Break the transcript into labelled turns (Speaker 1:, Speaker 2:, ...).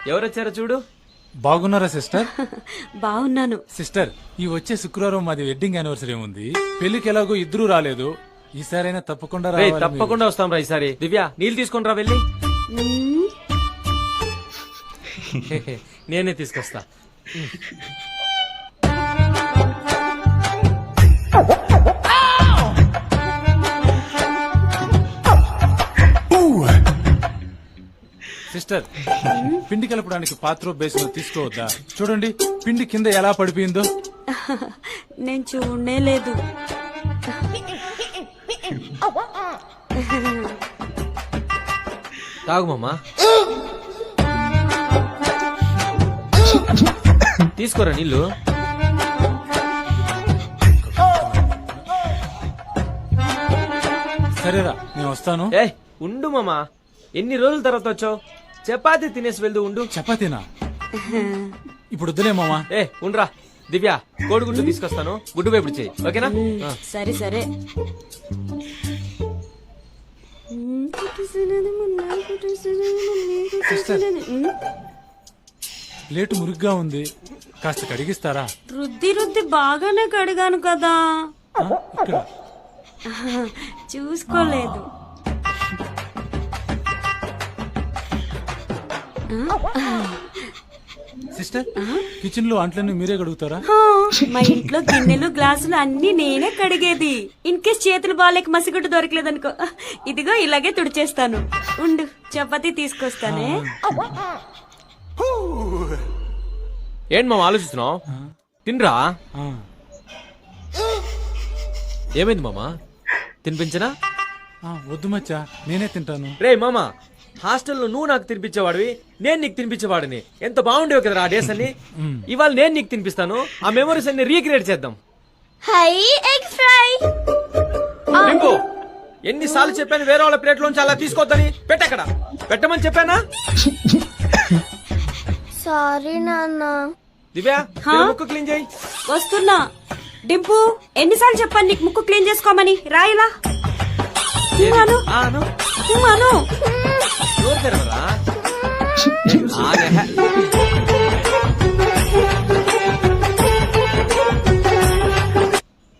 Speaker 1: ఎవరొచ్చారో చూడు.
Speaker 2: బాగున్నారా సిస్టర్?
Speaker 3: బాగున్నాను.
Speaker 2: సిస్టర్, ఈ వచ్చే శుక్రవారం మాది వెడ్డింగ్ యానివర్సరీ ఉంది. పెళ్లికి ఎలాగో ఇద్దరు రాలేదు, ఈసారైనా తప్పకుండా
Speaker 1: రేయ్,
Speaker 2: రావాలి.
Speaker 1: తప్పకుండా వస్తాం రా ఈసారి. దివ్య నీళ్ళు తీసుకొని రా వెళ్ళి.
Speaker 3: మ్మ్.
Speaker 1: నేనే తీసుకొస్తా.
Speaker 2: సిస్టర్, పిండి కలపడానికి పాత్ర బేసిన్ తీసుకోవద్దా? చూడండి పిండి కింద ఎలా పడిపోయిందో.
Speaker 3: నేను చూడనే లేదు.
Speaker 1: తాగు మామా. తీసుకోరా నీళ్ళు.
Speaker 2: సరేరా, నేను వస్తాను.
Speaker 1: ఏ ఉండు మామా, ఎన్ని రోజుల తర్వాత వచ్చావు? చపాతీ తినేసి వెళ్దు. ఉండు.
Speaker 2: చపాతీనా? ఇప్పుడు వద్దులే మామా.
Speaker 1: ఏ ఉండ్రా. దివ్య కోడిగుడ్డు తీసుకొస్తాను, గుడ్డు వేపుడు చేయి. ఓకేనా? ఆ.
Speaker 3: సరే సరే.
Speaker 2: సిస్టర్, ప్లేట్ మురుగ్గా ఉంది, కాస్త కడిగిస్తారా?
Speaker 3: రుద్ది రుద్ది బాగానే కడిగాను కదా.
Speaker 2: ఇక్కడ
Speaker 3: చూసుకోలేదు.
Speaker 2: సిస్టర్, కిచెన్ లో అంట్లన్నీ మీరే కడుగుతారా?
Speaker 3: హా, మా ఇంట్లో గిన్నెలు గ్లాసులు అన్ని నేనే కడిగేది. ఇన్ కేస్ చేతులు బాగాలేక మసిగుడ్డు దొరకలేదనుకో, ఇదిగో ఇలాగే తుడిచేస్తాను. ఉండు, చపాతీ తీసుకొస్తానే.
Speaker 1: ఏంటి మామ ఆలోచిస్తున్నావు? తినరా.
Speaker 2: ఆ,
Speaker 1: ఏమైంది మామా? తినిపించనా?
Speaker 2: వద్దు మచ్చా, నేనే తింటాను.
Speaker 1: రే మామా, హాస్టల్లో నువ్వు నాకు తినిపించేవాడివి, నేను నీకు తినిపించేవాడిని. ఎంత బాగుండేవి కదా ఆ డేస్ అన్ని. ఇవాళ నేను నీకు తినిపిస్తాను, ఆ మెమరీస్ అన్ని రీక్రియేట్ చేద్దాం.
Speaker 3: High egg fry.
Speaker 1: రింపు, ఎన్నిసార్లు చెప్పాను వేరే వాళ్ళ ప్లేట్ లోంచి అలా తీసుకోవద్దని? పెట్టక్కడ పెట్టమని చెప్పానా?
Speaker 4: సారీ నాన్న.
Speaker 1: దివ్య
Speaker 3: హా?
Speaker 1: ముక్కు క్లీన్ చేయి.
Speaker 3: వస్తున్నా. డింపు, ఎన్నిసార్లు చెప్పాను నీకు ముక్కు క్లీన్ చేసుకోమని? రాయిలా. అను
Speaker 1: ఆ, అను.
Speaker 3: అను.
Speaker 1: నోరు తెరవరా? ఆగే.